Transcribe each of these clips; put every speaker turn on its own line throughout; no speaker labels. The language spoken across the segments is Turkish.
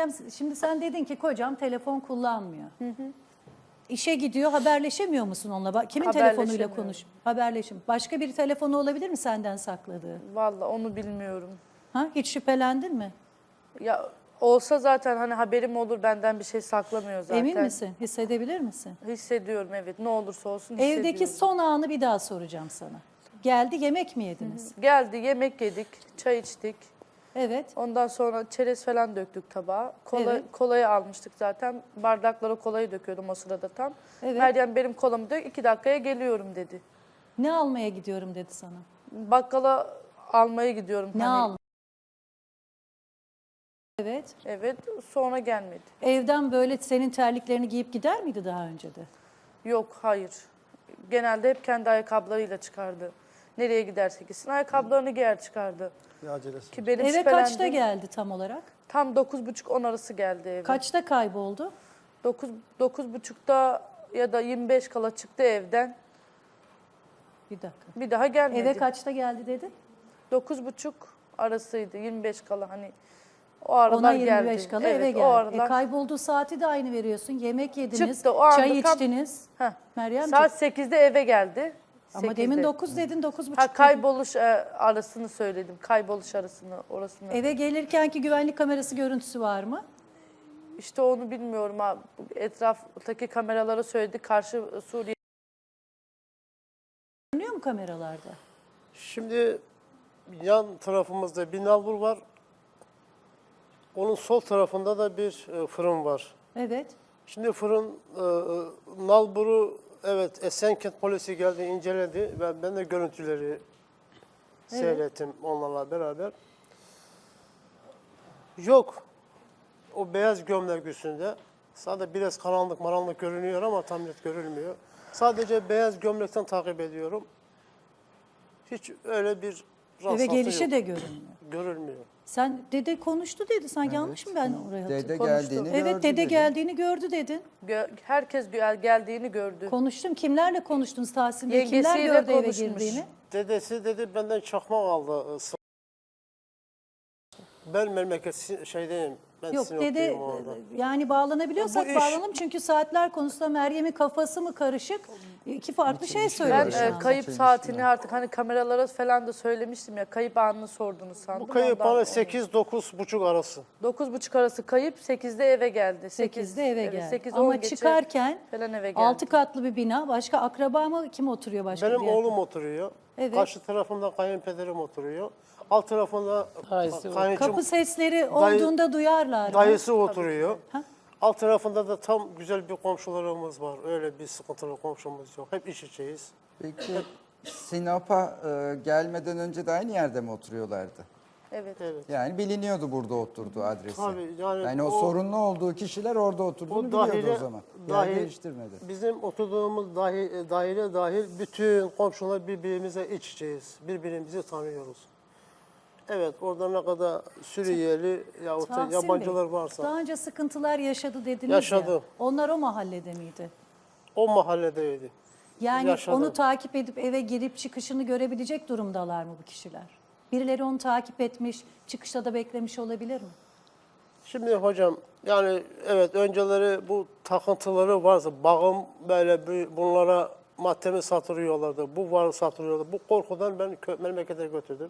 Meryem, şimdi sen dedin ki kocam telefon kullanmıyor. İşe gidiyor, haberleşemiyor musun onunla? Kimin telefonuyla konuş? Haberleşim. Başka bir telefonu olabilir mi senden sakladığı?
Vallahi onu bilmiyorum.
Ha? Hiç şüphelendin mi?
Ya olsa zaten hani haberim olur, benden bir şey saklamıyor zaten.
Emin misin? Hissedebilir misin?
Hissediyorum, evet. Ne olursa olsun hissediyorum.
Evdeki son anı bir daha soracağım sana. Geldi, yemek mi yediniz?
Geldi, yemek yedik, çay içtik.
Evet.
Ondan sonra çerez falan döktük tabağa.
Evet.
Kolayı almıştık zaten. Bardaklara kolayı döküyordum o sırada tam.
Evet.
Meryem benim kolamı dök, 2 dakikaya geliyorum dedi.
Ne almaya gidiyorum dedi sana.
Bakkala almaya gidiyorum.
Ne
hani.
al? Evet.
Evet, sonra gelmedi.
Evden böyle senin terliklerini giyip gider miydi daha önce de?
Yok, hayır. Genelde hep kendi ayakkabılarıyla çıkardı. Nereye giderse gitsin ayakkabılarını giyer çıkardı.
Bir acelesi.
Ki benim
Eve
şüphelendiğim-
kaçta geldi tam olarak?
Tam 9.30-10 arası geldi eve.
Kaçta kayboldu?
9.30'da ya da 25 kala çıktı evden.
Bir dakika.
Bir daha gelmedi.
Eve kaçta geldi dedin?
9.30 arasıydı, 25 kala hani o aralar
Ona
geldi.
25 kala
Evet,
eve
o
geldi.
aralar
Kaybolduğu saati de aynı veriyorsun. Yemek yediniz,
çıktı. O anda
çay
tam-
içtiniz.
Heh.
Meryemciğim.
Saat 8'de eve geldi.
Ama
8'de.
demin 9 dedin, 9.30
Ha,
dedin.
kayboluş arasını söyledim. Kayboluş arasını, orasını.
Eve gelirkenki güvenlik kamerası görüntüsü var mı?
İşte onu bilmiyorum ha. Etraftaki kameralara söyledi. Karşı Suriye.
Görünüyor mu kameralarda?
Şimdi yan tarafımızda bir nalbur var. Onun sol tarafında da bir fırın var.
Evet.
Şimdi fırın nalburu, evet, Esenkent polisi geldi, inceledi ve ben de görüntüleri seyrettim onlarla beraber. Yok. O beyaz gömlek üstünde. Sadece biraz karanlık görünüyor ama tam net görülmüyor. Sadece beyaz gömlekten takip ediyorum. Hiç öyle bir
Eve
rastlantı
gelişi
yok.
de görünmüyor.
Görülmüyor.
Sen dede konuştu dedi. Sen yanlış mı ben oraya
Dede
hatırladım?
geldiğini
Evet,
gördü
dede
dedi.
geldiğini gördü dedin.
Herkes geldiğini gördü.
Konuştum. Kimlerle konuştunuz Tahsin Bey? Kimler
Yengesiyle
gördü eve
konuşmuş.
girdiğini?
Dedesi dedi benden çakmak aldı. Ben memleket şeydeyim. Ben
Yok
Sinopluyum
dede
orada.
yani bağlanabiliyorsak
Bu iş-
bağlanalım. Çünkü saatler konusunda Meryem'in kafası mı karışık? İki farklı şey
Ben
söyledi şu anda.
kayıp
Çelişki
saatini
var.
artık hani kameralara falan da söylemiştim ya. Kayıp anını sordunuz sandım.
Bu kayıp
Ondan
bana
onu-
8-9.30 arası.
9.30 arası kayıp, 8'de eve geldi.
8'de eve
evet,
geldi.
8-10
Ama
geçe
çıkarken
falan eve geldi.
6 katlı bir bina. Başka akraba mı? Kim oturuyor başka
Benim
bir yerde?
oğlum oturuyor.
Evet.
Karşı tarafında kayınpederim oturuyor. Alt tarafında kayınçım,
Kapı sesleri olduğunda duyarlar mı?
dayısı oturuyor.
Ha?
Alt tarafında da tam güzel bir komşularımız var. Öyle bir sıkıntılı komşumuz yok. Hep iç içeyiz.
Peki Sinop'a gelmeden önce de aynı yerde mi oturuyorlardı?
Evet.
Evet.
Yani biliniyordu burada oturduğu adresi.
Tabii, yani
o
o-
sorunlu olduğu kişiler orada oturduğunu biliyordu o zaman. Yer değiştirmedi.
Bizim oturduğumuz daire dahil bütün komşular birbirimize iç içeyiz. Birbirimizi tanıyoruz. Evet, orada ne kadar Suriyeli yahut da
Tahsin
yabancılar
Bey,
varsa
daha önce sıkıntılar yaşadı dediniz
Yaşadı.
ya. Onlar o mahallede miydi?
o mahalledeydi.
Yani
Yaşadı.
onu takip edip eve girip çıkışını görebilecek durumdalar mı bu kişiler? Birileri onu takip etmiş, çıkışta da beklemiş olabilir mi?
Şimdi hocam, yani evet, önceleri bu takıntıları varsa bağım böyle bunlara maddemi satırıyorlardı. Bu var satırıyorlardı. Bu korkudan ben memlekete götürdüm.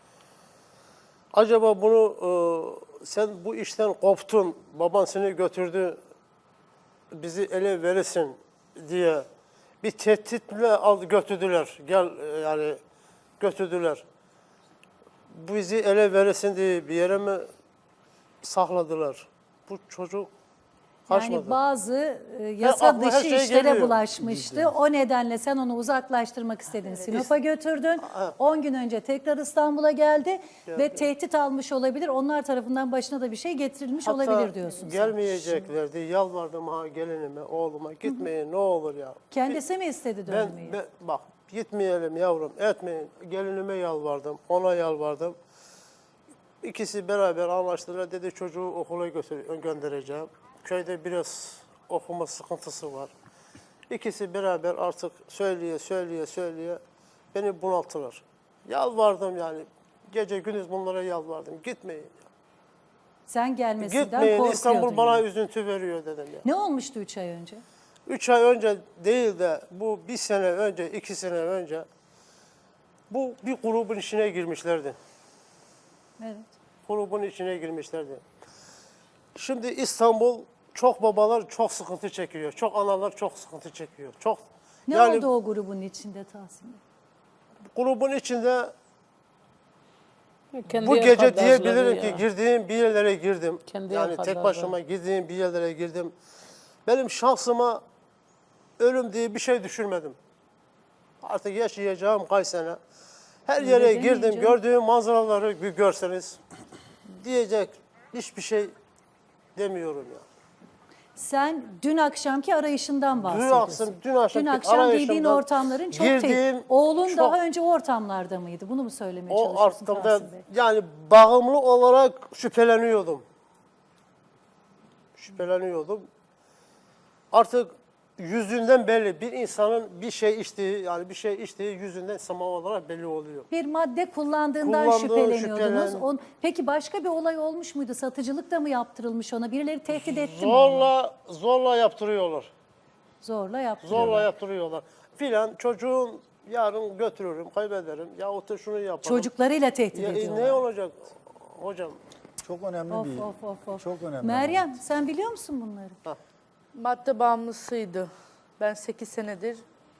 Acaba bunu sen bu işten koptun, baban seni götürdü, bizi ele verirsin diye bir tehditle götürdüler. Gel yani götürdüler. Bizi ele verirsin diye bir yere mi sakladılar? Bu çocuk kaçmadı.
Yani bazı yasa
aklıma her
dışı
şey
işlere
geliyor.
bulaşmıştı. O nedenle sen onu uzaklaştırmak istedin. Sinop'a götürdün. 10 gün önce tekrar İstanbul'a geldi ve tehdit almış olabilir. Onlar tarafından başına da bir şey getirilmiş olabilir diyorsun sen.
Gelmeyeceklerdi. Yalvardım ha gelinime, oğluma, gitmeyin ne olur ya.
Kendisi mi istedi
Ben,
dönmeyi?
bak gitmeyelim yavrum, etmeyin. Gelinime yalvardım, ona yalvardım. İkisi beraber anlaştılar. Dedi çocuğu okula göndereceğim. Köyde biraz okuma sıkıntısı var. İkisi beraber artık söyleye beni bunalttılar. Yalvardım yani. Gece gündüz bunlara yalvardım. Gitmeyin.
Sen gelmesinden
Gitmeyin,
korkuyordun.
İstanbul bana
yani.
üzüntü veriyor dedim ya.
Ne olmuştu 3 ay önce?
3 ay önce değil de bu 1 sene önce, 2 sene önce bu bir grubun içine girmişlerdi.
Evet.
Grubun içine girmişlerdi. Şimdi İstanbul çok babalar çok sıkıntı çekiyor. Çok analar çok sıkıntı çekiyor. Çok
Ne
yani
oldu o grubun içinde Tahsin Bey?
grubun içinde
Kendi
bu gece
arkadaşları
diyebilirim
ya.
ki girdiğim bir yerlere girdim.
Kendi
Yani tek
arkadaşları.
başıma girdiğim bir yerlere girdim. Benim şansıma ölüm diye bir şey düşürmedim. Artık yaşayacağım kaç sene. Her
Öyle
yere
demeyin
girdim,
canım.
gördüğüm manzaraları bir görseniz diyecek hiçbir şey demiyorum ya.
Sen dün akşamki arayışından bahsediyorsun.
dün akşamki
akşam
arayışımdan
girdiğin ortamların çok
girdiğim
tehlikeli. Oğlun
çok-
daha önce o ortamlarda mıydı? Bunu mu söylemeye
O
çalışıyorsun
ortamda
Tahsin Bey?
yani bağımlı olarak şüpheleniyordum. Şüpheleniyordum. Artık yüzünden belli. Bir insanın bir şey içtiği yüzünden sama olarak belli oluyor.
Bir madde kullandığından
Kullandığı,
şüpheleniyordunuz.
şüphelen-
Peki başka bir olay olmuş muydu? Satıcılık da mı yaptırılmış ona? Birileri tehdit etti mi?
Zorla yaptırıyorlar.
Zorla yaptırıyorlar.
Zorla yaptırıyorlar. Filan çocuğum yarın götürürüm, kaybederim. Yahut da şunu yaparım.
Çocuklarıyla tehdit
Ya,
ediyorlar.
ne olacak hocam?
Çok önemli
Of
bir,
of of of.
çok önemli.
Meryem sen biliyor musun bunları?
Madde bağımlısıydı. Ben 8 senedir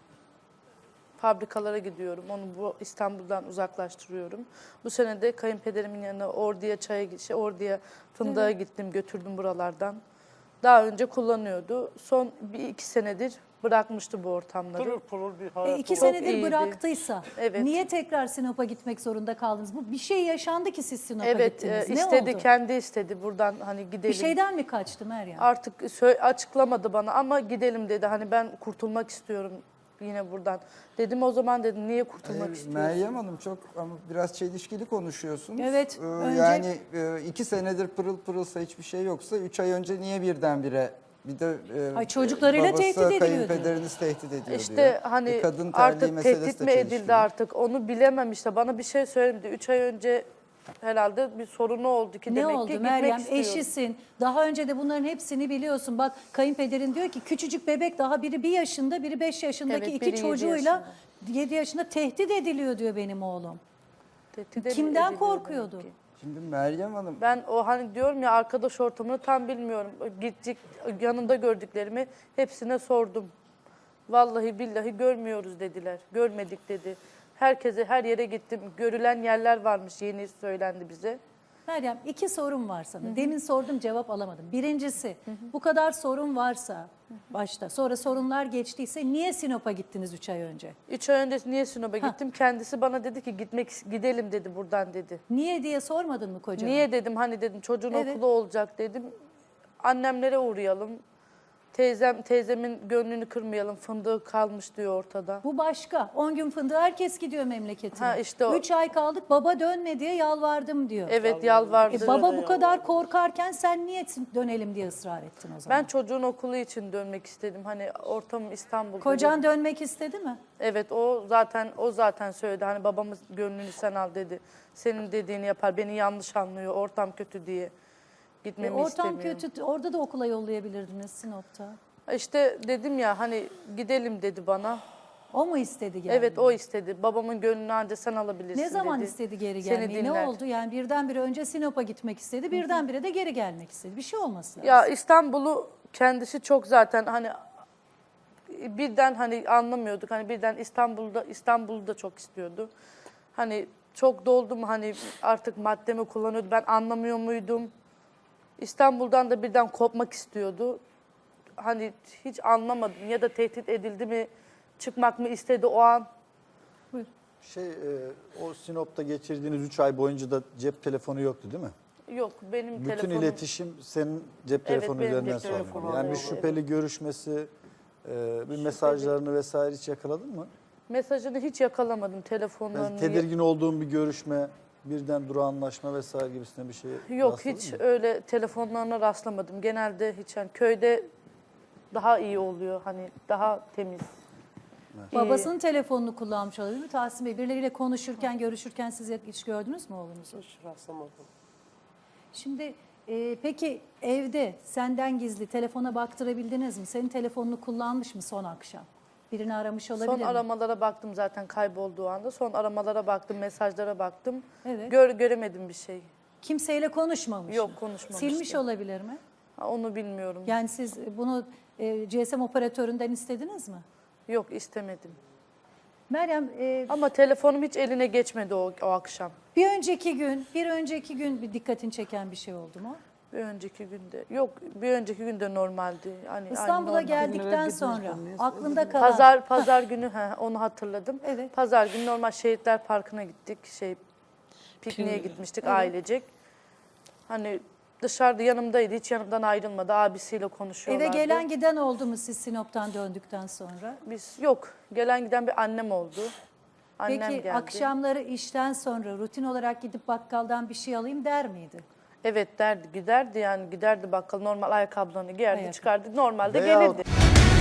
fabrikalara gidiyorum. Onu bu İstanbul'dan uzaklaştırıyorum. Bu sene de kayınpederimin yanına Ordu'ya fındığa gittim, götürdüm buralardan. Daha önce kullanıyordu. Son 1-2 senedir bırakmıştı bu ortamları.
Pırıl pırıl bir hayat.
2
oldu.
senedir
iyiydi.
bıraktıysa
Evet.
niye tekrar Sinop'a gitmek zorunda kaldınız? Bu bir şey yaşandı ki siz Sinop'a
Evet,
gittiniz. Ne
istedi,
oldu?
kendi istedi buradan hani gidelim.
Bir şeyden mi kaçtı Meryem?
Artık açıklamadı bana ama gidelim dedi. Hani ben kurtulmak istiyorum yine buradan. Dedim o zaman dedim niye kurtulmak istiyorsun?
Meryem Hanım çok ama biraz çelişkili konuşuyorsunuz.
Evet, önce-
Yani 2 senedir pırıl pırılsa hiçbir şey yoksa 3 ay önce niye birdenbire bir de
Ay, çocuklarıyla
babası,
tehdit ediyor diyor.
kayınpederiniz tehdit ediyor
İşte
diyor.
hani
Kadın terliği
artık
meselesi
tehdit
de
mi edildi
çelişkili.
artık onu bilemem işte. Bana bir şey söylemedi. 3 ay önce herhalde bir sorunu oldu ki
Ne
demek
oldu
ki
Meryem?
gitmek istiyordu.
Eşisin. Daha önce de bunların hepsini biliyorsun. Bak kayınpederin diyor ki küçücük bebek daha biri 1 yaşında biri 5 yaşındaki
Evet,
iki
biri 7
çocuğuyla 7 yaşında tehdit ediliyor diyor benim oğlum.
Tehdit
Kimden
ediliyor
korkuyordu?
demek ki.
Şimdi Meryem Hanım
Ben o hani diyorum ya arkadaş ortamını tam bilmiyorum. Gittik yanında gördüklerimi hepsine sordum. Vallahi billahi görmüyoruz dediler. Görmedik dedi. Herkese her yere gittim. Görülen yerler varmış yeni söylendi bize.
Meryem 2 sorum var sana. Demin sordum cevap alamadım. Birincisi bu kadar sorun varsa başta sonra sorunlar geçtiyse niye Sinop'a gittiniz 3 ay önce?
3 ay önce niye Sinop'a gittim? Kendisi bana dedi ki gidelim dedi buradan dedi.
Niye diye sormadın mı kocana?
Niye dedim hani dedim çocuğun
Evet.
okulu olacak dedim. Annemlere uğrayalım. Teyzemin gönlünü kırmayalım. Fındığı kalmış diyor ortada.
Bu başka. 10 gün fındığı herkes gidiyor memleketine.
Ha, işte o.
3 ay kaldık baba dönme diye yalvardım diyor.
Evet yalvardı.
Baba bu kadar korkarken sen niye dönelim diye ısrar ettin o zaman?
Ben çocuğun okulu için dönmek istedim. Hani ortamım İstanbul'da.
Kocan
dedim.
dönmek istedi mi?
Evet o zaten söyledi. Hani babamız gönlünü sen al dedi. Senin dediğini yapar. Beni yanlış anlıyor. Ortam kötü diye. Gitmemi
Ortam
istemiyorum.
kötü. Orada da okula yollayabilirdiniz Sinop'ta.
İşte dedim ya hani gidelim dedi bana.
O mu istedi gelmeyi?
Evet o istedi. Babamın gönlünü ancak sen alabilirsin
Ne zaman
dedi.
istedi geri
Seni
gelmeyi? Ne
dinler.
oldu? Yani birdenbire önce Sinop'a gitmek istedi, birdenbire de geri gelmek istedi. Bir şey olması lazım.
Ya İstanbul'u kendisi çok zaten hani birden hani anlamıyorduk. Hani birden İstanbul'u da çok istiyordu. Hani çok doldum hani artık maddemi kullanıyordu. Ben anlamıyor muydum? İstanbul'dan da birden kopmak istiyordu. Hani hiç anlamadım ya da tehdit edildi mi, çıkmak mı istedi o an.
O Sinop'ta geçirdiğiniz 3 ay boyunca da cep telefonu yoktu değil mi?
Yok benim
Bütün
telefonum.
iletişim senin cep telefonu
benim
üzerinden
cep
sağlanıyor.
telefonum
Yani bir
oldu,
şüpheli görüşmesi, bir mesajlarını vesaire hiç yakaladın mı?
Mesajını hiç yakalamadım telefonlarını.
Yani tedirgin olduğun bir görüşme, birden durağanlaşma vesaire gibisinden bir şey
Yok
rastladın
hiç
mı?
öyle telefonlarına rastlamadım. Genelde hiç yani köyde daha iyi oluyor hani daha temiz.
Babasının telefonunu kullanmış olabilir mi Tahsin Bey? Birileriyle konuşurken, görüşürken siz hiç gördünüz mü oğlunuzu?
Hiç rastlamadım.
Şimdi Peki evde senden gizli telefona baktırabildiniz mi? Senin telefonunu kullanmış mı son akşam? Birini aramış olabilir
Son
mi?
aramalara baktım zaten kaybolduğu anda. Son aramalara baktım, mesajlara baktım.
Evet.
Göremedim bir şey.
Kimseyle konuşmamış
Yok,
mı?
konuşmamıştı.
Silmiş olabilir mi?
Ha, onu bilmiyorum.
Yani siz bunu GSM operatöründen istediniz mi?
Yok, istemedim.
Meryem,
Ama telefonum hiç eline geçmedi o akşam.
bir önceki gün bir dikkatini çeken bir şey oldu mu?
Bir önceki günde. Yok, bir önceki günde normaldi. Hani
İstanbul'a
normal.
geldikten sonra aklında kalan
Pazar günü onu hatırladım.
Evet.
Pazar günü normal Şehitler Parkı'na gittik. Pikniğe gitmiştik ailecek. Hani dışarıda yanımdaydı. Hiç yanımdan ayrılmadı. Abisiyle
eve
konuşuyorlardı.
gelen giden oldu mu siz Sinop'tan döndükten sonra?
Biz yok. Gelen giden bir annem oldu. Annem
Peki
geldi.
akşamları işten sonra rutin olarak gidip bakkaldan bir şey alayım der miydi?
Evet derdi, giderdi yani giderdi bakkal normal ayakkabılarını giyerdi,
Ayakkabı.
çıkardı. Normalde
Veyahut-
gelirdi.